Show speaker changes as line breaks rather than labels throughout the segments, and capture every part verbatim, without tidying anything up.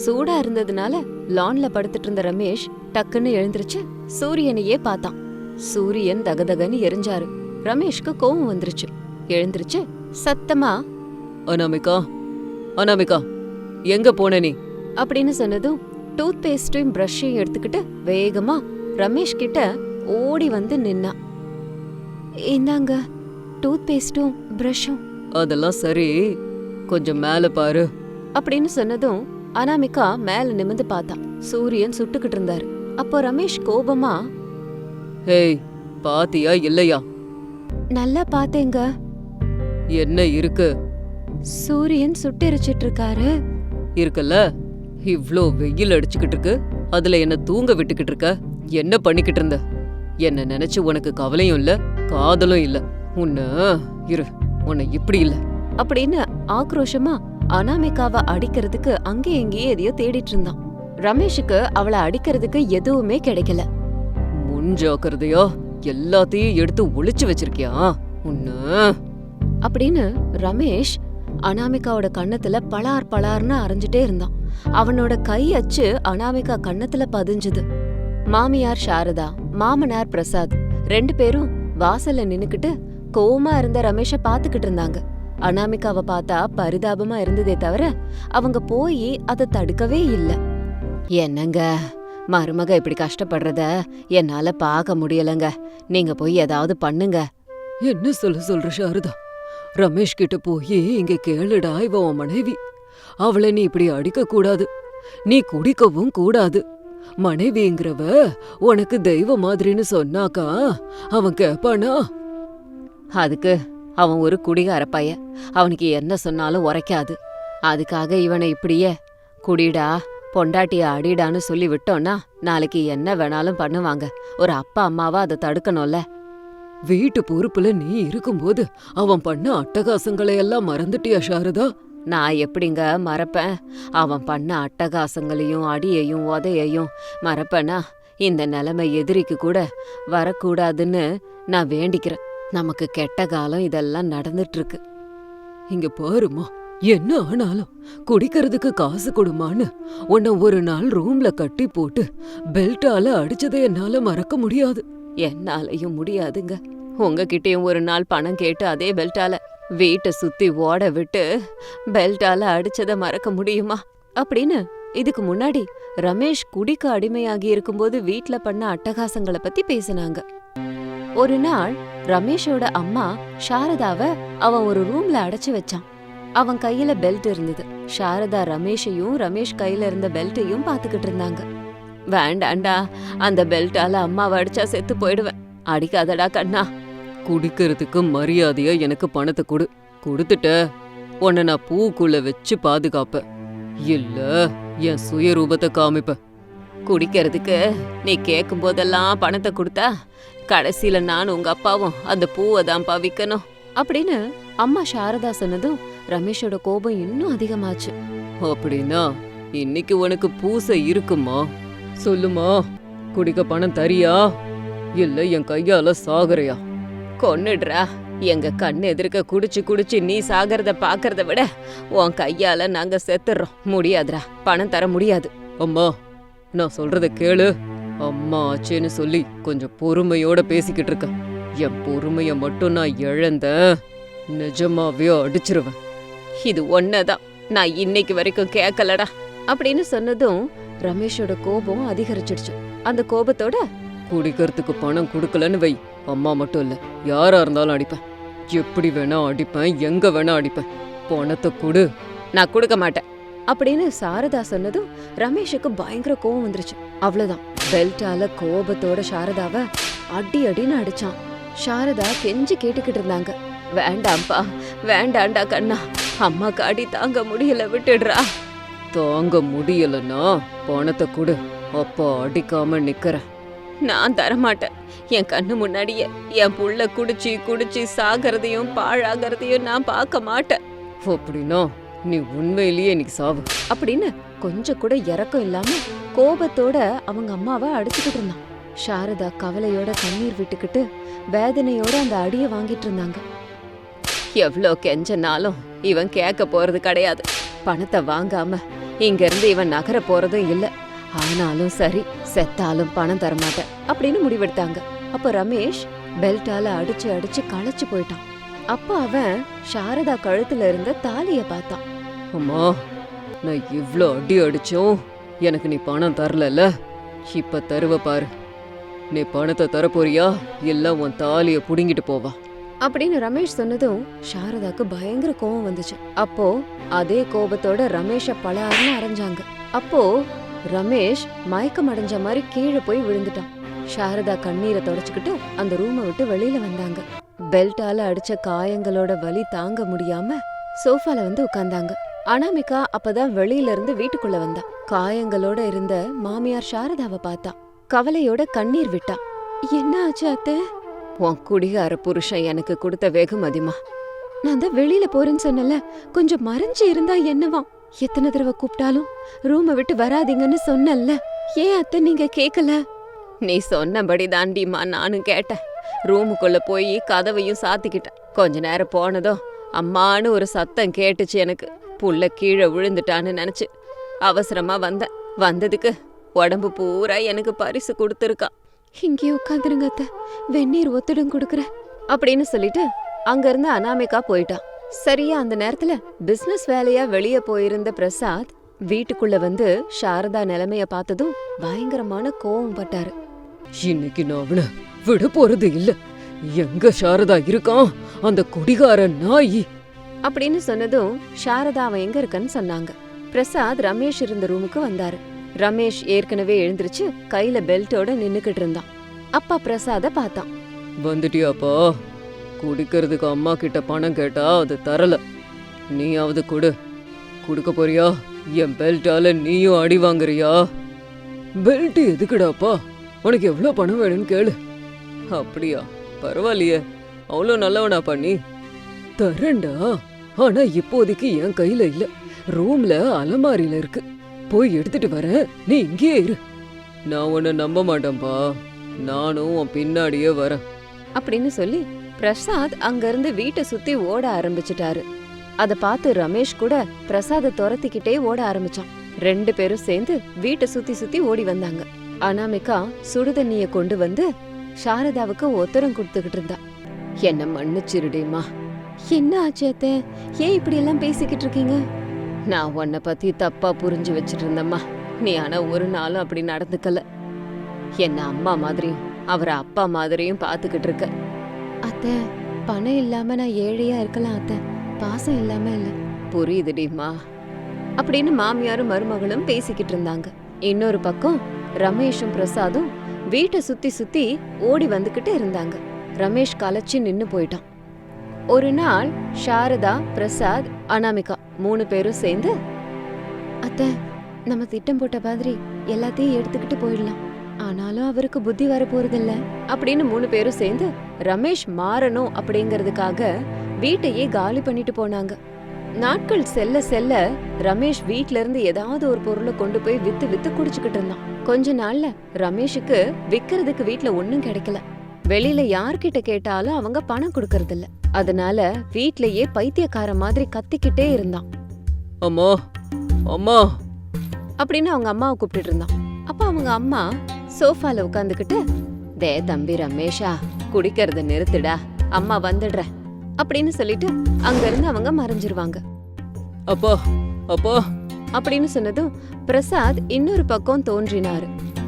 சூடா இருந்ததுனால லான்ல படுத்துட்டு இருந்த ரமேஷ் டக்குன்னு எழுந்திருச்சு சூரியனையே பார்த்தான். சூரியன் தகதகன்னு எரிஞ்சாரு. ரமேஷ்க்கு கோவம் வந்துருச்சு. எழுந்திருச்சு சத்தமா,
அனாமிகா அனாமிகா எங்க போன நீ
அப்படின்னு சொன்னதும் டூத் பேஸ்டையும் பிரஷையும் எடுத்துக்கிட்டு வேகமா ரமேஷ் கிட்ட ஓடி வந்து நின்னா. இந்தாங்க டூத் பேஸ்டும் பிரஷும்.
அதெல்லாம் சரி, கொஞ்சம் மேல பாரு
அப்படின்னு சொன்னதும் அனாமிகா மேல நிமிந்து பார்த்தா. சூரியன் சுட்டுக்கிட்டு இருந்தாரு. அப்போ ரமேஷ் கோபமா,
ஹேய் பாத்தியா இல்லையா?
நல்லா பாத்தேங்க.
என்ன இருக்கு?
சூரியன் சுட்டெரிச்சிட்டு இருக்காரு.
இருக்குல்ல, இவ்ளோ வெயில் அடிச்சுக்கிட்டு இருக்கு, அதுல என்ன தூங்க விட்டுக்கிட்டு இருக்க? என்ன பண்ணிக்கிட்டு இருந்த? என்ன நினைச்சு உனக்கு கவலையும் இல்ல காதலும் இல்ல. உன்ன இரு உன்னை இப்படி இல்ல
அப்படின்னு ஆக்ரோஷமா அனாமிகாவை அடிக்கிறதுக்கு அங்கே எங்கேயே எதையோ தேடிட்டு இருந்தான். ரமேஷுக்கு அவளை அடிக்கிறதுக்கு எதுவுமே கிடைக்கல.
முன்ஜாக்கிரதையா எல்லாத்தையும் எடுத்து ஒளிச்சு வச்சிருக்கியா உன்ன
அப்படின்னு ரமேஷ் அனாமிகாவோட கண்ணத்துல பலார் பலார்னு அரைஞ்சிட்டே இருந்தான். அவனோட கை அச்சு அனாமிகா கண்ணத்துல பதிஞ்சுது. மாமியார் சாரதா, மாமனார் பிரசாத் ரெண்டு பேரும் வாசல்ல நின்னுக்கிட்டு கோவமா இருந்த ரமேஷ பாத்துக்கிட்டு இருந்தாங்க. அனாமிகாவை பார்த்தா பரிதாபமா இருந்ததே தவிர அவங்க போய் அதை தடுக்கவே இல்ல. என்னங்க மருமக இப்படி கஷ்டப்படுறத என்னால பாக்க முடியலங்க, நீங்க போய் ஏதாவது பண்ணுங்க.
என்ன சொல்ல சொல்ற சாரதா? ரமேஷ் கிட்ட போய் இங்க கேளுடா, இவ உன் மனைவி. அவளை நீ இப்படி அடிக்க கூடாது, நீ குடிக்கவும் கூடாது. மனைவிங்கிறவ உனக்கு தெய்வ மாதிரின்னு சொன்னாக்கா அவன் கேப்பானா?
அதுக்கு அவன் ஒரு குடிகார பைய, அவனுக்கு என்ன சொன்னாலும் உரைக்காது. அதுக்காக இவனை இப்படியே குடிடா பொண்டாட்டிய அடிடான்னு சொல்லி விட்டோன்னா நாளைக்கு என்ன வேணாலும் பண்ணுவாங்க. ஒரு அப்பா அம்மாவா அதை தடுக்கணும்ல.
வீட்டு பொறுப்புல நீ இருக்கும்போது அவன் பண்ண அட்டகாசங்களை எல்லாம் மறந்துட்டியா சாரதா?
நான் எப்படிங்க மறப்பேன்? அவன் பண்ண அட்டகாசங்களையும் அடியையும் உதையையும் மறப்பேனா? இந்த நிலைமை எதிரிக்கு கூட வரக்கூடாதுன்னு நான் வேண்டிக்கிறேன். நமக்கு கெட்ட காலம் இதெல்லாம் நடந்துட்டு இருக்கு.
இங்க பாருமா, என்ன ஆனாலும் குடிக்கிறதுக்கு காசு கொடுமான்னு உன்னை ஒரு நாள் ரூம்ல கட்டி போட்டு பெல்ட்டால அடிச்சதை என்னால மறக்க முடியாது.
என்னாலையும் முடியாதுங்க. உங்ககிட்டயும் ஒரு நாள் பணம் கேட்டு அதே பெல்ட்டால வீட்டை சுத்தி ஓட விட்டு பெல்ட்டால அடிச்சதை மறக்க முடியுமா? அப்படின்னு இதுக்கு முன்னாடி ரமேஷ் குடிக்க அடிமையாகி இருக்கும்போது வீட்ல பண்ண அட்டகாசங்களை பத்தி பேசினாங்க. ஒரு நாள் ரமேஷோட அம்மா சாரதாவை அவன் ஒரு ரூம்ல அடைச்சு வச்சான். அவன் கையில பெல்ட் இருந்தது. சாரதா ரமேஷையும் ரமேஷ் கையில இருந்த பெல்ட்டையும் பாத்துக்கிட்டு இருந்தாங்க. வேண்டாண்டா, அந்த பெல்ட்டால அம்மாவை அடிச்சா செத்து போயிடுவேன். அடிக்காதடா கண்ணா.
குடிக்கிறதுக்கு மரியாதையா எனக்கு பணத்தை கொடு. கொடுத்துட்ட உன்னை நான் பூக்குள்ள வச்சு பாதுகாப்ப, இல்ல என் சுயரூபத்தை காமிப்ப.
குடிக்கிறதுக்கு நீ கேட்கும் போதெல்லாம் பணத்தை கொடுத்தா கடைசியில நானும் உங்க அப்பாவும் அந்த பூவை தான் விக்கணும் அப்படின்னு அம்மா சாரதா சொன்னதும் ரமேஷோட கோபம் இன்னும் அதிகமாச்சு.
அப்படின்னா இன்னைக்கு உனக்கு பூசை இருக்குமா? சொல்லுமா, குடிக்க பணம் தரியா இல்ல என் கையால சாகுறையா?
கொன்னுடுறா. எங்க கண்ணு எதிர்க்க குடிச்சு குடிச்சு நீ சாகிறத பாக்குறத விட உன் கையால நாங்க செத்துறோம். முடியாதுடா, பணம் தர முடியாது.
அம்மா நான் சொல்றத கேளு. அம்மா ஆச்சேன்னு சொல்லி கொஞ்சம் பொறுமையோட பேசிக்கிட்டு இருக்க. என் பொறுமைய மட்டும் நான் இழந்த நிஜமாவே அடிச்சிருவேன்.
இது ஒன்னதான் நான் இன்னைக்கு வரைக்கும் கேட்கலடா அப்படின்னு சொன்னதும் ரமேஷோட கோபம் அதிகரிச்சிடுச்சு. அந்த கோபத்தோட
குடிக்கிறதுக்கு பணம் கொடுக்கலன்னு வை, அம்மா மட்டும் இல்ல யாரா இருந்தாலும் அடிப்பேன். எப்படி வேணா அடிப்பேன், எங்க வேணா அடிப்பேன். பணத்தை கொடு.
நான் கொடுக்க மாட்டேன் அப்படின்னு சாரதா சொன்னதும் ரமேஷுக்கு பயங்கர கோவம் வந்துருச்சு. அவ்வளவுதான், பெல்ட்டால கோபத்தோட சாரதாவை அடி அடின்னு அடிச்சான். சாரதா கெஞ்சி கேட்டுக்கிட்டு இருந்தாங்க, வேண்டாம்ப்பா, வேண்டாண்டா கண்ணா, அம்மாக்கு அடி தாங்க முடியல, விட்டுடுறா.
தாங்க முடியலன்னா பணத்தை கொடு, அப்பா அடிக்காம நிக்கிறேன்.
நான் தரமாட்டேன். என் கண்ணு முன்னாடியே என் புள்ள குடிச்சு குடிச்சு சாகிறதையும் பாழாகிறதையும் நான் பார்க்க மாட்டேன்.
அப்படின்னா நீ உண்மையிலேயே இன்னைக்கு சாவு
அப்படின்னு கொஞ்சம் கூட இறக்கம் இல்லாம கோபத்தோட அவங்க அம்மாவை அடிச்சுக்கிட்டு இருந்தான். சாரதா கவலையோட கண்ணீர் விட்டுக்கிட்டு வேதனையோட அந்த அடிய வாங்கிட்டு இருந்தாங்க. எவ்வளோ கெஞ்சனாலும் இவன் கேட்க போறது கிடையாது. பணத்தை வாங்காம இங்க இருந்து இவன் நகர போறதும் இல்ல. ஆனாலும் சரி, செத்தாலும் பணம் தரமாட்டேன் அப்படின்னு முடிவெடுத்தாங்க. அப்ப ரமேஷ் பெல்ட்டால அடிச்சு அடிச்சு களைச்சு போயிட்டான். அப்ப அவன் சாரதா கழுத்துல இருந்த தாலிய பார்த்தான்.
அம்மா, நான் இவ்ளோ அடி அடிச்சோம் எனக்கு நீ பணம் தரலல்ல, இப்ப தருவ பாரு. நீ பணத்தை தரப்போறியா இல்ல உன் தாலிய புடுங்கிட்டு போவா
அப்படின்னு ரமேஷ் சொன்னதும் சாரதாக்கு பயங்கர கோபம் வந்துச்சு. அப்போ அதே கோபத்தோட ரமேஷ பலாருன்னு அரைஞ்சாங்க. அப்போ ரமேஷ் மயக்கம் அடைஞ்ச மாதிரி கீழே போய் விழுந்துட்டான். சாரதா கண்ணீரை தொடச்சுக்கிட்டு அந்த ரூமை விட்டு வெளியில வந்தாங்க. பெல்ட்டால அடிச்ச காயங்களோட வலி தாங்க முடியாம சோஃபால வந்து உட்கார்ந்தாங்க. அனாமிகா அப்பதான் வெளியில இருந்து வீட்டுக்குள்ள வந்தா. காயங்களோட இருந்த மாமியார் சாரதாவை பார்த்தா. கவலையோட கண்ணீர் விட்டா. என்ன ஆச்சு அத்தை? உன் குடிகார புருஷன் எனக்கு கொடுத்த வெகுமதிமா. நான் தான் வெளியில போறேன்னு சொன்னல, கொஞ்சம் மறைஞ்சு இருந்தா என்னவா? எத்தனை தடவை கூப்பிட்டாலும் ரூமை விட்டு வராதீங்கன்னு சொன்னல, ஏன் அத்தை நீங்க கேக்கல? நீ சொன்னபடி தாண்டிமா நானும் கேட்டேன். ரூமுக்குள்ள போய் கதவையும் சாத்திக்கிட்டேன். கொஞ்ச நேரம் போனதும் அம்மானு ஒரு சத்தம் கேட்டுச்சு. எனக்கு புள்ள கீழே விழுந்துட்டான்னு நினைச்சு அவசரமா வந்தேன். வந்ததுக்கு உடம்பு பூரா எனக்கு பரிசு கொடுத்துருக்கா. இங்கேயே உட்காந்துருங்க அத்தை, வெந்நீர் ஒத்துடும் கொடுக்குறேன் அப்படின்னு சொல்லிட்டு அங்க இருந்து அனாமிகா போயிட்டா. சரியா அந்த நேரத்துல பிசினஸ் வேலையா வெளியே போயிருந்த பிரசாத் வீட்டுக்குள்ள வந்து சாரதா நிலைமைய பார்த்ததும் பயங்கரமான கோவம் பட்டாரு.
இன்னைக்கு நான் அவனை விட போறது இல்ல. எங்க சாரதா இருக்கான் அந்த குடிகார நாயி
அப்படின்னு சொன்னதும் சாரதா அவன் எங்க இருக்கன்னு சொன்னாங்க. பிரசாத் ரமேஷ் இருந்த ரூமுக்கு வந்தாரு. ரமேஷ் ஏற்கனவே எழுந்திருச்சு கையில பெல்ட்டோட நின்னுக்கிட்டு இருந்தான். அப்பா பிரசாத பார்த்தான்.
வந்துட்டியாப்பா? குடிக்கிறதுக்கு அம்மா கிட்ட பணம் கேட்டா அது தரல, நீயாவது கொடு. குடுக்க போறியா? என் பெல்ட்டால நீயும் அடி வாங்குறியா? பெல்ட் எதுக்குடாப்பா? உனக்கு எவ்வளவு பணம் வேணும்னு கேளு. அப்படியா? பரவாயில்லையே, அவ்வளோ நல்லவனா பண்ணி தரேன்டா. ஆனா இப்போதைக்கு என் கையில இல்ல, ரூம்ல அலமாரியில இருக்கு. போய் எடுத்துட்டு வரேன், நீ இங்கேயே இரு. நான் உன்னை நம்ப மாட்டேன்பா, நானும் உன் பின்னாடியே வரேன்
அப்படின்னு சொல்லி பிரசாத் அங்க இருந்து வீட்டை சுத்தி ஓட ஆரம்பிச்சுட்டாரு. அத பார்த்து ரமேஷ் கூட பிரசாத துரத்திக்கிட்டே ஓட ஆரம்பிச்சான். ரெண்டு பேரும் சேர்ந்து வீட்டை சுத்தி சுத்தி ஓடி வந்தாங்க. அனாமிகா சுடுதண்ணிய கொண்டு வந்து சாரதாவுக்கு ஒத்தரம் கொடுத்துக்கிட்டு இருந்தா. என்ன மன்னிச்சிருடேம்மா. என்ன ஆச்சு அத்தை? ஏன் இப்படி எல்லாம் பேசிக்கிட்டு இருக்கீங்க? நான் உன்னை பத்தி தப்பா புரிஞ்சு வச்சிட்டு இருந்தம்மா. நீ ஆனா ஒரு நாளும் அப்படி நடந்துக்கல. என்ன அம்மா மாதிரியும் அவரை அப்பா மாதிரியும் பாத்துக்கிட்டு இருக்க. அத்தை, பணம் இல்லாம நான் ஏழையா இருக்கலாம் அத்தை, பாசம் இல்லாம இல்ல. புரியுதுடிமா அப்படின்னு மாமியாரும் மருமகளும் பேசிக்கிட்டு இருந்தாங்க. இன்னொரு பக்கம் ரமேஷும் பிரசாதும் வீட்டை சுத்தி சுத்தி ஓடி வந்துகிட்டு இருந்தாங்க. ரமேஷ் கலைச்சு நின்னு போயிட்டான். ஒரு நாள் சாரதா, பிரசாத், அனாமிகா மூணு பேரும் சேர்ந்து, அத்தை நம்ம திட்டம் போட்ட மாதிரி எல்லாத்தையும் எடுத்துக்கிட்டு போயிடலாம், ஆனாலும் அவருக்கு புத்தி வர போறதில்ல அப்படின்னு மூணு பேரும் சேர்ந்து ரமேஷ் மாறணும் அப்படிங்கறதுக்காக வீட்டையே காலி பண்ணிட்டு போனாங்க. நாட்கள் செல்ல செல்ல ரமேஷ் வீட்ல இருந்து ஏதாவது ஒரு பொருளை கொண்டு போய் வித்து வித்து குடிச்சுக்கிட்டு இருந்தான். கொஞ்ச நாள்ல ரமேஷுக்கு விக்கிறதுக்கு வீட்ல ஒண்ணும் கிடைக்கல. வெளியில யார்கிட்ட கேட்டாலும் அவங்க பணம் கொடுக்கறது இல்ல. அதனால வீட்லயே பைத்தியக்கார மாதிரி கத்திக்கிட்டே இருந்தான்.
அம்மா அம்மா
அப்படின்னு அவங்க அம்மாவை கூப்பிட்டு இருந்தான். அப்ப அவங்க அம்மா சோஃபால உட்காந்துக்கிட்டு, தே தம்பி ரமேஷா, குடிக்கிறத நிறுத்துடா, அம்மா வந்துடுற அப்படின்னு சொல்லிட்டு அங்க இருந்து அவங்க மறைஞ்சிருவாங்க.
அப்பா அப்பா
அப்படின்னு சொன்னதும் பிரசாத் இன்னொரு பக்கம் தோன்றினாரு.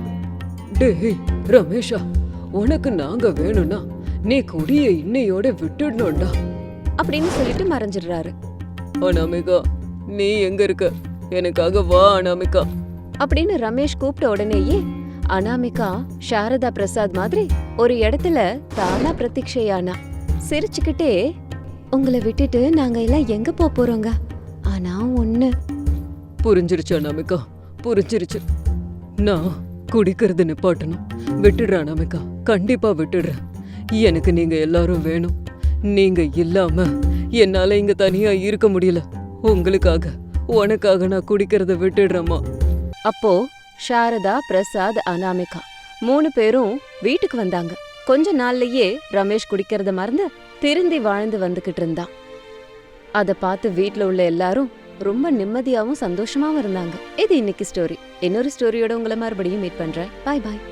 டேய் ரமேஷா, உனக்கு நாங்க வேணும்னா நீ குடிய இன்னையோட விட்டுடணும்டா
அப்படின்னு சொல்லிட்டு மறைஞ்சிடுறாரு.
அனாமிகா, நீ எங்க இருக்க? எனக்காக வா அனாமிகா
அப்படின்னு ரமேஷ் கூப்பிட்ட உடனேயே அனாமிகா சாரதா பிரசாத் மாதிரி ஒரு இடத்துல தானா பிரத்யக்ஷையானா. சிரிச்சுக்கிட்டே, உங்களை விட்டுட்டு நாங்க எல்லாம் எங்க போக போறோங்க, ஆனா ஒண்ணு
புரிஞ்சிருச்சு அனாமிகா, புரிஞ்சிருச்சு. நான் குடிக்கிறது நிப்பாட்டணும். விட்டுடுற அனாமிகா, கண்டிப்பா விட்டுடுறேன். எனக்கு நீங்க எல்லாரும் வேணும். நீங்க இல்லாம என்னால இங்க தனியா இருக்க முடியல. உங்களுக்காக, உனக்காக நான் குடிக்கிறத விட்டுடுறேம்மா.
அப்போ சாரதா, பிரசாத், அனாமிகா மூணு பேரும் வீட்டுக்கு வந்தாங்க. கொஞ்ச நாள்லயே ரமேஷ் குடிக்கிறத மறந்து திருந்தி வாழ்ந்து வந்துகிட்டு இருந்தான். அத பார்த்து வீட்ல உள்ள எல்லாரும் ரொம்ப நிம்மதியாவும் சந்தோஷமாவும் இருந்தாங்க. இது இன்னைக்கு ஸ்டோரி. இன்னொரு ஸ்டோரியோட உங்களை மறுபடியும் மீட் பண்றேன். பாய் பாய்.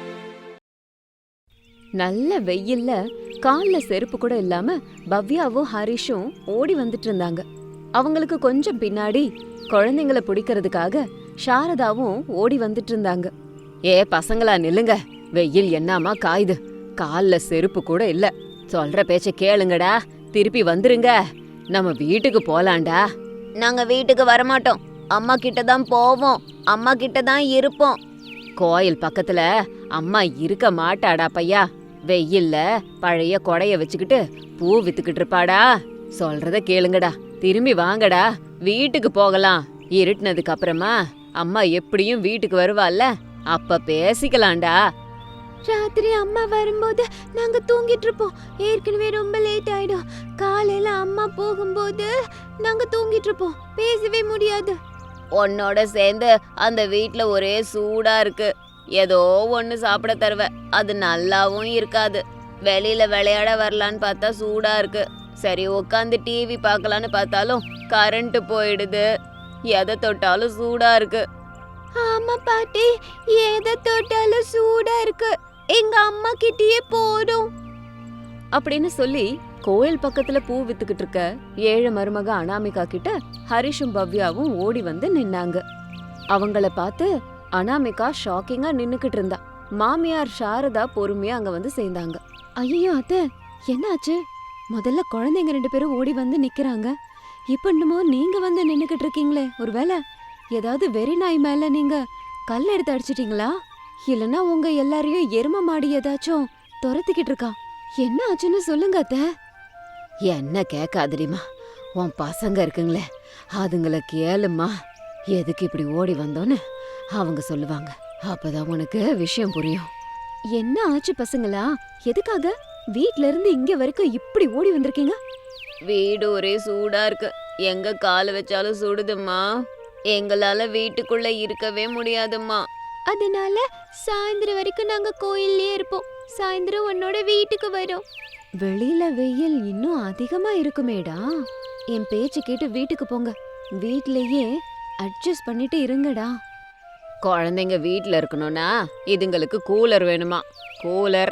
நல்ல வெயில்ல கால்ல செருப்பு கூட இல்லாம பவ்யாவும் ஹரிஷும் ஓடி வந்துட்டு இருந்தாங்க. அவங்களுக்கு கொஞ்சம் பின்னாடி குழந்தைங்கள பிடிக்கிறதுக்காக சாரதாவும் ஓடி வந்துட்டு இருந்தாங்க. ஏ பசங்களா நில்லுங்க, வெயில் என்னமா காயுது, கால்ல செருப்பு கூட இல்ல, சொல்ற பேச்ச கேளுங்கடா, திருப்பி வந்துருங்க, நம்ம வீட்டுக்கு போலாண்டா. நாங்க வீட்டுக்கு வரமாட்டோம், அம்மா கிட்ட தான் போவோம், அம்மா கிட்ட தான் இருப்போம். கோயில் பக்கத்துல அம்மா இருக்க மாட்டாடா பையா, வெயில்ல பழைய கொடைய வச்சுக்கிட்டு பூ வித்துக்கிட்டு இருப்பாடா. சொல்றத கேளுங்கடா, திரும்பி வாங்கடா, வீட்டுக்கு போகலாம். இருட்டுனதுக்கு அப்புறமா அம்மா எப்படியும் வீட்டுக்கு வருவாள்ல, அப்ப பேசிக்கலாம்டா. ராத்திரி அம்மா வரும்போது நாங்க தூங்கிட்டு இருப்போம், ஏற்கனவே ரொம்ப லேட் ஆயிடும். காலையில அம்மா போகும்போது நாங்க தூங்கிட்டு இருப்போம், பேசவே முடியாது. உன்னோட சேர்ந்து அந்த வீட்ல ஒரே சூடா இருக்கு, ஏதோ ஒன்னு சாப்பிட தருவ, அது நல்லாவும் இருக்காது. வெளியில விளையாட வரலான்னு பார்த்தா சூடா இருக்கு, சரி உட்காந்து டிவி பார்க்கலான்னு பார்த்தாலும் கரண்ட் போயிடுது, எதை தொட்டாலும் சூடா இருக்கு. ஆமா பாட்டி, எதை தொட்டாலும் சூடா இருக்கு, எங்க அம்மா கிட்டயே போறோம் அப்படின்னு சொல்லி கோயில் பக்கத்துல பூ வித்துக்கிட்டு இருக்க ஏழு மருமக அனாமிகா கிட்ட ஹரிஷும் பவ்யாவும் ஓடி வந்து நின்னாங்க. அவங்கள பார்த்து அனாமிகா ஷாக்கிங்கா நின்னுக்கிட்டு இருந்தா. மாமியார் சாரதா பொறுமையா அங்க வந்து சேர்ந்தாங்க. ஐயோ அத்தை, என்னாச்சு? முதல்ல குழந்தைங்க ரெண்டு பேரும் ஓடி வந்து நிக்கிறாங்க, இப்ப என்னமோ நீங்க வந்து நின்னுக்கிட்டு இருக்கீங்களே, ஒருவேளை ஏதாவது வெறி நாய் மேல நீங்க கல் எடுத்து அடிச்சிட்டீங்களா? இல்லனா உங்க எல்லாரையும் எரும மாடி ஏதாச்சும் துரத்திக்கிட்டு இருக்கா? என்ன ஆச்சுன்னு சொல்லுங்க அத்தை. என்ன கேட்காதடிமா, உன் பசங்க இருக்குங்களே அதுங்கள கேளுமா, எதுக்கு இப்படி ஓடி வந்தோன்னு அவங்க சொல்லுவாங்க, அப்பதான் உனக்கு விஷயம் புரியும். என்ன ஆச்சு பசங்களா? எதுக்காக வீட்ல இருந்து இங்க வரைக்கும் இப்படி ஓடி வந்திருக்கீங்க? வீடு ஒரே சூடா இருக்கு, எங்க கால வச்சாலும் சுடுதும்மா, எங்களால வீட்டுக்குள்ள இருக்கவே முடியாதும்மா. அதனால சாயந்தரம் வரைக்கும் நாங்க கோயில்லயே இருப்போம், சாயந்தரம் உன்னோட வீட்டுக்கு வரோம். வெளியில வெயில் இன்னும் அதிகமா இருக்குமேடா, என் பேச்சு கேட்டு வீட்டுக்கு போங்க, வீட்லயே அட்ஜஸ்ட் பண்ணிட்டு இருங்கடா. குழந்தைங்க வீட்ல இருக்கணும்னா இதுங்களுக்கு கூலர் வேணுமா? கூலர்?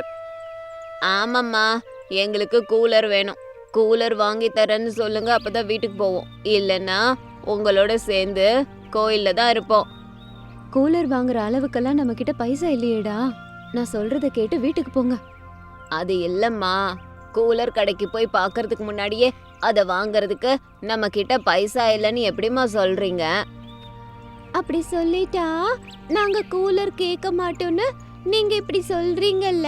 ஆமாம்மா, எங்களுக்கு கூலர் வேணும், கூலர் வாங்கி தரேன்னு சொல்லுங்க, அப்பதான் வீட்டுக்கு போவோம், இல்லைன்னா உங்களோட சேர்ந்து கோயில்ல தான் இருப்போம். கூலர் வாங்குற அளவுக்கெல்லாம் நம்ம கிட்ட பைசா இல்லையேடா, நான் சொல்றத கேட்டு வீட்டுக்கு போங்க. அது இல்லம்மா, கூலர் கடைக்கு போய் பார்க்கறதுக்கு முன்னாடியே அதை வாங்குறதுக்கு நம்ம கிட்ட பைசா இல்லைன்னு எப்படிம்மா சொல்றீங்க? அப்படி சொல்லிட்டா நாங்க கூலர் கேட்க மாட்டோம்னு நீங்க இப்படி சொல்றீங்கல்ல?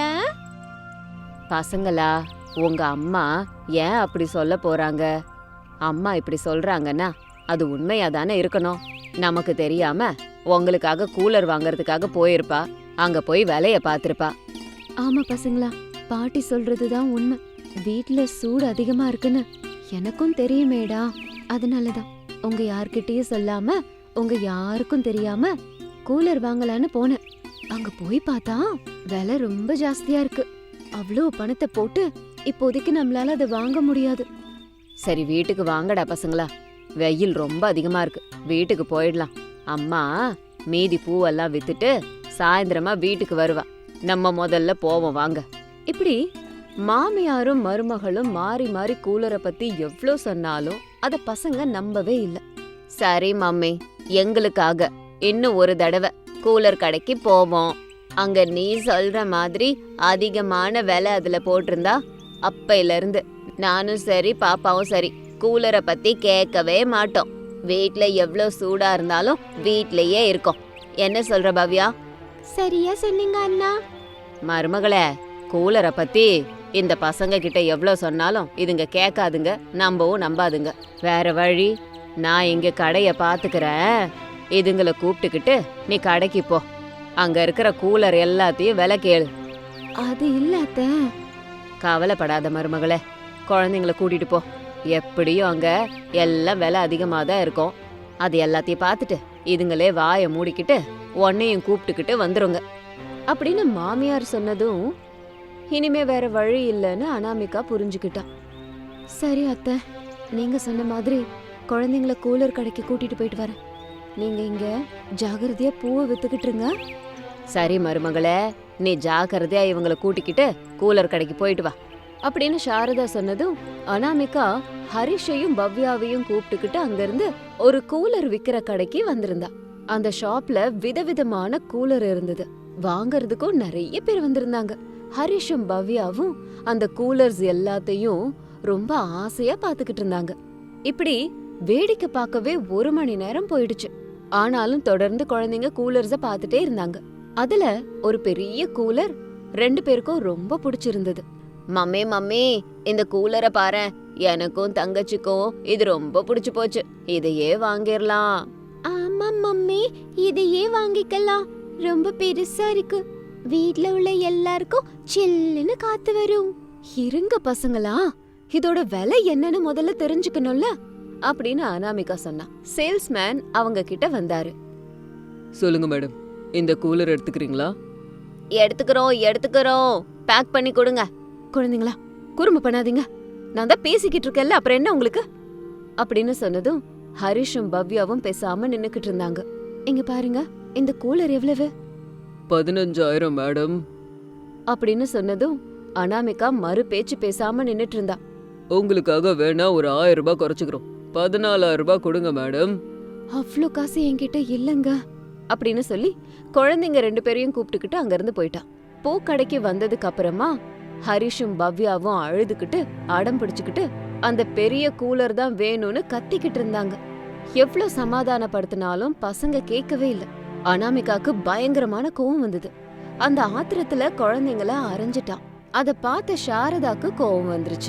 பசங்களா, உங்க அம்மா ஏன் அப்படி சொல்ல போறாங்க? அம்மா இப்படி சொல்றாங்கன்னா அது உண்மையா தானே இருக்கணும். நமக்கு தெரியாம உங்களுக்காக கூலர் வாங்குறதுக்காக போயிருப்பா, அங்க போய் விலைய பாத்திருப்பா. ஆமா பசங்களா, பாட்டி சொல்றதுதான் உண்மை, வீட்ல சூடு அதிகமா இருக்குன்னு எனக்கும் தெரியுமேடா, அதனாலதான் உங்க யார்கிட்டயும் சொல்லாம உங்க யாருக்கும் தெரியாம கூலர் வாங்கலான்னு போனேன். அங்க போய் பார்த்தா விலை ரொம்ப ஜாஸ்தியா இருக்கு, அவ்வளோ பணத்தை போட்டு இப்போதைக்கு நம்மளால அதை வாங்க முடியாது. சரி வீட்டுக்கு வாங்கடா பசங்களா, வெயில் ரொம்ப அதிகமா இருக்கு, வீட்டுக்கு போயிடலாம். அம்மா மீதி பூவெல்லாம் வித்துட்டு சாயந்தரமா வீட்டுக்கு வருவா, நம்ம முதல்ல போவோம் வாங்க. இப்படி மாமியாரும் மருமகளும் மாறி மாறி கூலரை பத்தி எவ்ளோ சொன்னாலும் அத பசங்க நம்பவே இல்ல. சரி மம்மி, எங்களுக்காக இன்னும் ஒரு தடவை கூலர் கடைக்கு போவோம், அங்க நீ சொல்ற மாதிரி அதிகமான விலை அதுல போட்டிருந்தா அப்பையில இருந்து நானும் சரி பாப்பாவும் சரி கூலரை பத்தி கேட்கவே மாட்டோம், வீட்ல எவ்ளோ சூடா இருந்தாலும் வீட்லயே இருக்கோம். என்ன சொல்ற பவ்யா? சரியா சொன்னீங்க அண்ணா. மருமகளே, கூலரை பத்தி இந்த பசங்க கிட்ட எவ்ளோ சொன்னாலும் இதுங்க கேட்காதுங்க, நம்பவும் நம்பாதுங்க. வேற வழி, நான் இங்க கடைய பாத்துக்கிறேன், இதுங்களை கூப்பிட்டுக்கிட்டு நீ கடைக்கு போ, அங்க இருக்கிற கூலர் எல்லாத்தையும் விலை கேளு. அது இல்லாத. கவலைப்படாத மருமகளே, குழந்தைங்கள கூட்டிட்டு போ, எப்படியும் அங்க எல்லாம் விலை அதிகமா தான் இருக்கும், அது எல்லாத்தையும் பார்த்துட்டு இதுங்களே வாயை மூடிக்கிட்டு உன்னையும் கூப்பிட்டுக்கிட்டு வந்துருங்க அப்படின்னு மாமியார் சொன்னதும் இனிமே வேற வழி இல்லைன்னு அனாமிகா புரிஞ்சுக்கிட்டா. சரி அத்தை, நீங்க சொன்ன மாதிரி குழந்தைங்கள கூலர் கடைக்கு கூட்டிட்டு போயிட்டு வரேன். நீங்க இங்க ஜாகிரதையா பூவை வித்துக்கிட்டு இருங்க. சரி மருமகளே, நீ ஜாக்கிரதையா இவங்களை கூட்டிக்கிட்டு கூலர் கடைக்கு போயிட்டு வா அப்படின்னு சாரதா சொன்னதும் அனாமிகா ஹரிஷையும் பவ்யாவையும் கூப்பிட்டுக்கிட்டு அங்கிருந்து ஒரு கூலர் விக்கிற கடைக்கு வந்திருந்தா. அந்த ஷாப்ல விதவிதமான கூலர் இருந்தது. வாங்கறதுக்கும் நிறைய பேர் வந்திருந்தாங்க. ஹரிஷும் பவ்யாவும் அந்த கூலர்ஸ் எல்லாத்தையும் ரொம்ப ஆசையா பாத்துக்கிட்டு இருந்தாங்க. இப்படி வேடிக்கை பார்க்கவே ஒரு மணி நேரம் போயிடுச்சு. ஆனாலும் தொடர்ந்து குழந்தைங்க கூலர்ஸ பாத்துட்டே இருந்தாங்க. அதுல ஒரு பெரிய கூலர் ரெண்டு பேருக்கும் ரொம்ப பிடிச்சிருந்தது. மம்மி மம்மி, இந்த கூலரை பாரேன், எனக்கும் தங்கச்சிக்கும் இது ரொம்ப பிடிச்சு போச்சு, இதையே வாங்கிடலாம். ஆமா மம்மி, இதையே வாங்கிக்கலாம், ரொம்ப பெருசா இருக்கு, வீட்ல உள்ள எல்லாருக்கும் சில்லுன்னு காத்து வரும். இருங்க பசங்களா, இதோட விலை என்னன்னு முதல்ல தெரிஞ்சுக்கணும்ல அப்படின்னு அனாமிகா சொன்னா. சேல்ஸ்மேன் அவங்க கிட்ட வந்தாரு.
சொல்லுங்க மேடம், இந்த கூலர் எடுத்துக்கிறீங்களா?
எடுத்துக்கிறோம் எடுத்துக்கிறோம் பேக் பண்ணி கொடுங்க. குழந்தைங்களா, குறும்பு பண்ணாதீங்க, நான் தான் பேசிக்கிட்டு இருக்கேன்ல, அப்புறம் என்ன உங்களுக்கு அப்படின்னு சொன்னதும் ஹரிஷும் பவ்யாவும் பேசாம நின்னுக்கிட்டு இருந்தாங்க. இங்க பாருங்க, இந்த கூலர் எவ்வளவு?
பதினஞ்சாயிரம் மேடம்
அப்படின்னு சொன்னதும் அனாமிகா மறு பேச்சு பேசாம நின்னுட்டு இருந்தா.
உங்களுக்காக வேணா ஒரு ஆயிரம் ரூபாய் குறைச்சுக்கிறோம், பதினாலாயிரம் ரூபாய் கொடுங்க மேடம்.
அவ்வளோ காசு என்கிட்ட இல்லங்க அப்படின்னு சொல்லி குழந்தைங்க ரெண்டு பேரையும் கூப்பிட்டுக்கிட்டு அங்கிருந்து போயிட்டா. பூக்கடைக்கு வந்ததுக்கு அப்புறமா ஹரிஷும் பவ்யாவும் அழுதுகிட்டு அடம் பிடிச்சுக்கிட்டு அந்த பெரிய கூலர் தான் வேணும்னு கத்திக்கிட்டு இருந்தாங்க. எவ்வளவு சமாதானப்படுத்தினாலும் பசங்க கேட்கவே இல்லை. அனாமிகாக்கு பயங்கரமான கோவம் வந்தது. அந்த ஆத்திரத்துல குழந்தைங்கள அரைஞ்சிட்டான். அத பார்த்த சாரதாக்கு கோவம் வந்துருச்சு.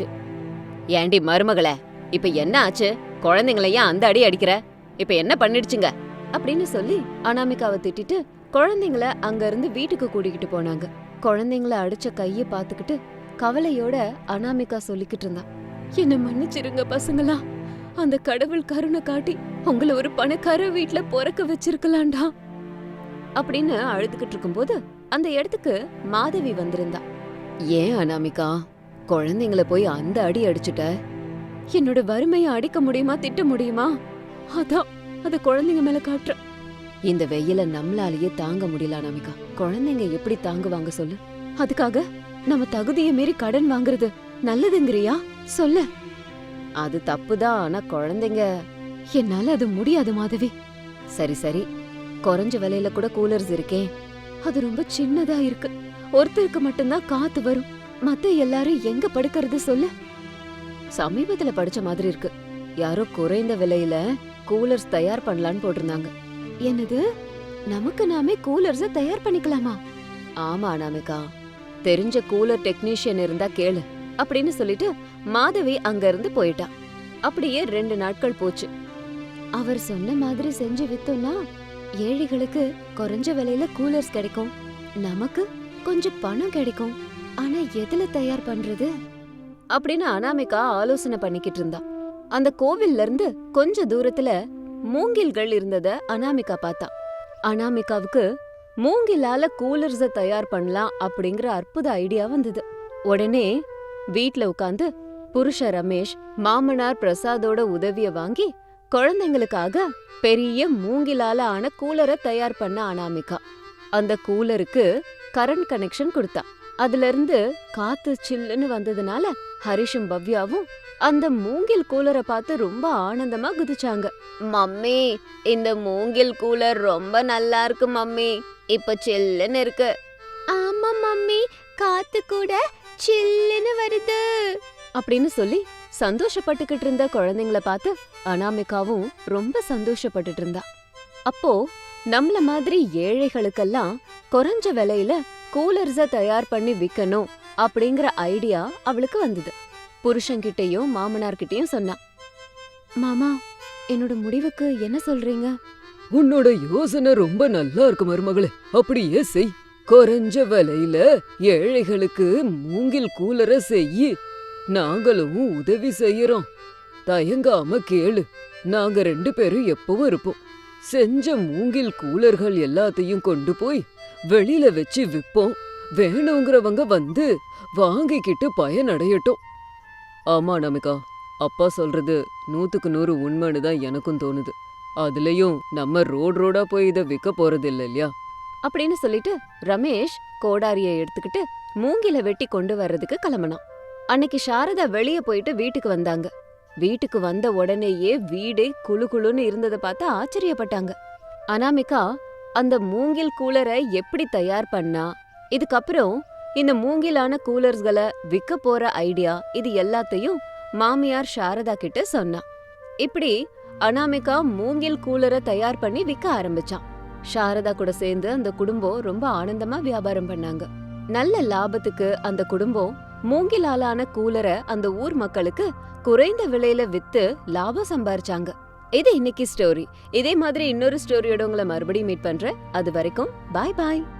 ஏண்டி மருமகளே, இப்ப என்ன ஆச்சு? குழந்தைங்களையா அந்த அடி அடிக்கிற? இப்ப என்ன பண்ணிடுச்சுங்க அப்படின்னு சொல்லி அனாமிகாவை திட்டிட்டு குழந்தைங்கள அங்க இருந்து வீட்டுக்கு கூட்டிக்கிட்டு போனாங்க. குழந்தைங்கள அடிச்ச கைய பாத்துக்கிட்டு கவலையோட அனாமிகா சொல்லிக்கிட்டு இருந்தா. என்ன மன்னிச்சிருங்க பசங்களா, அந்த கடவுள் கருணை காட்டி உங்களை ஒரு பணக்கார வீட்டுல பொறக்க வச்சிருக்கலாம்டா அப்படின்னு அழுதுகிட்டு இருக்கும்போது அந்த இடத்துக்கு மாதவி வந்திருந்தா. ஏன் அனாமிகா, குழந்தைங்கள போய் அந்த அடி அடிச்சுட்ட? என்னோட வறுமையை அடிக்க முடியுமா, திட்ட முடியுமா? அதான் அத குழந்தைங்க மேல காட்டுற. இந்த வெயில நம்மளாலேயே தாங்க முடியல அனாமிகா, குழந்தைங்க எப்படி தாங்குவாங்க சொல்லு? அதுக்காக நம்ம தகுதியை மீறி கடன் வாங்குறது நல்லதுங்கிறியா சொல்லு? அது தப்புதான், ஆனா குழந்தைங்க. என்னால அது முடியாது மாதவி. சரி சரி, குறைஞ்ச விலையில கூட கூலர்ஸ் இருக்கே, அது ரொம்ப சின்னதா இருக்கு, ஒருத்தருக்கு மட்டும்தான் காத்து வரும், மத்த எல்லாரும் எங்க படுக்கிறது சொல்லு? சமீபத்துல படிச்ச மாதிரி இருக்கு, யாரோ குறைந்த விலையில கூலர்ஸ் தயார் பண்ணலான்னு போட்டிருந்தாங்க. என்னது, நமக்கு நாமே கூலர்ஸ தயார் பண்ணிக்கலாமா? ஆமா அனாமிகா, தெரிஞ்ச கூலர் டெக்னீஷியன் இருந்தா கேளு அப்படின்னு சொல்லிட்டு மாதவி அங்க இருந்து போயிட்டா. அப்படியே ரெண்டு நாட்கள் போச்சு. அவர் சொன்ன மாதிரி செஞ்சு வித்தோம்னா ஏழைகளுக்கு குறைஞ்ச விலையில கூலர்ஸ் கிடைக்கும், நமக்கு கொஞ்சம் பணம் கிடைக்கும். ஆனா எதுல தயார் பண்றது அப்படின்னு அனாமிகா ஆலோசனை பண்ணிக்கிட்டு இருந்தா. அந்த கோவில்ல இருந்து கொஞ்ச தூரத்துல மூங்கில்கள் இருந்தத அனாமிகா பார்த்தா. அனாமிகாவுக்கு மூங்கிலால கூலர்ஸ தயார் பண்ணலாம் அப்படிங்கிற அற்புத ஐடியா வந்தது. உடனே வீட்ல உட்காந்து புருஷ ரமேஷ், மாமனார் பிரசாதோட உதவிய வாங்கி குழந்தைங்களுக்காக பெரிய மூங்கிலால ஆன கூலரை தயார் பண்ண அனாமிகா. அந்த கூலருக்கு கரண்ட் கனெக்ஷன் கொடுத்தா. அதுல இருந்து காத்து சில்லுன்னு வந்ததுனால ஹரிஷும் பவ்யாவும் அந்த மூங்கில் கூலரை பார்த்து ரொம்ப ஆனந்தமா குதிச்சாங்க. மம்மி, இந்த மூங்கில் கூலர் ரொம்ப நல்லா இருக்கு மம்மி, இப்ப சில்லுன்னு இருக்கு. ஆமா மம்மி, காத்து கூட சில்லுன்னு வருது அப்படின்னு சொல்லி சந்தோஷப்பட்டுக்கிட்டு இருந்த குழந்தைங்கள பார்த்து அனாமிகாவும் ரொம்ப சந்தோஷப்பட்டுட்டு இருந்தா. அப்போ நம்மள மாதிரி ஏழைகளுக்கெல்லாம் குறைஞ்ச விலையில கூலர்ஸ தயார் பண்ணி விக்கணும் அப்படிங்கிற ஐடியா அவளுக்கு வந்தது. புருஷன்கிட்டயும் மாமனார்கிட்டயும் சொன்னா. மாமா, என்னோட முடிவுக்கு என்ன சொல்றீங்க?
உன்னோட யோசனை ரொம்ப நல்லா இருக்கு மருமகளே, அப்படியே செய். குறைஞ்ச விலையில ஏழைகளுக்கு மூங்கில் கூலரை செய், நாங்களும் உதவி செய்யறோம். தயங்காம கேளு, நாங்க ரெண்டு பேரும் எப்பவும் இருப்போம். செஞ்ச மூங்கில் கூலர்கள் எல்லாத்தையும் கொண்டு போய் வெளியில வச்சு விப்போம், வேணுங்கிறவங்க வந்து வாங்கிக்கிட்டு பயனடையட்டும். ஆமா நமிகா, அப்பா சொல்றது நூத்துக்கு நூறு உண்மைன்னு தான் எனக்கும் தோணுது. அதுலயும் நம்ம ரோடு ரோடா போய் இதை விற்க போறது இல்ல இல்லையா?
அப்படின்னு சொல்லிட்டு ரமேஷ் கோடாரிய எடுத்துக்கிட்டு மூங்கில வெட்டி கொண்டு வர்றதுக்கு கிளம்பினான். அன்னைக்கு சாரதா வெளியே போயிட்டு வீட்டுக்கு வந்தாங்க. வீட்டுக்கு வந்த உடனேயே வீடே குளு குளுன்னு இருந்ததை பார்த்து ஆச்சரியப்பட்டாங்க. அனாமிகா அந்த மூங்கில் கூலரை எப்படி தயார் பண்ணா, இதுக்கப்புறம் இந்த மூங்கிலான கூலர்ஸ்களை விற்க போற ஐடியா, இது எல்லாத்தையும் மாமியார் சாரதா கிட்ட சொன்னா. இப்படி அனாமிகா மூங்கில் கூலரை தயார் பண்ணி விற்க ஆரம்பிச்சான். சாரதா கூட சேர்ந்து அந்த குடும்பம் ரொம்ப ஆனந்தமா வியாபாரம் பண்ணாங்க. நல்ல லாபத்துக்கு அந்த குடும்பம் மூங்கிலாலான கூலரை அந்த ஊர் மக்களுக்கு குறைந்த விலையில வித்து லாபம் சம்பாரிச்சாங்க. இது இன்னைக்கு ஸ்டோரி. இதே மாதிரி இன்னொரு ஸ்டோரியோட உங்களை மறுபடியும் மீட் பண்றேன். அது வரைக்கும் பாய் பாய்.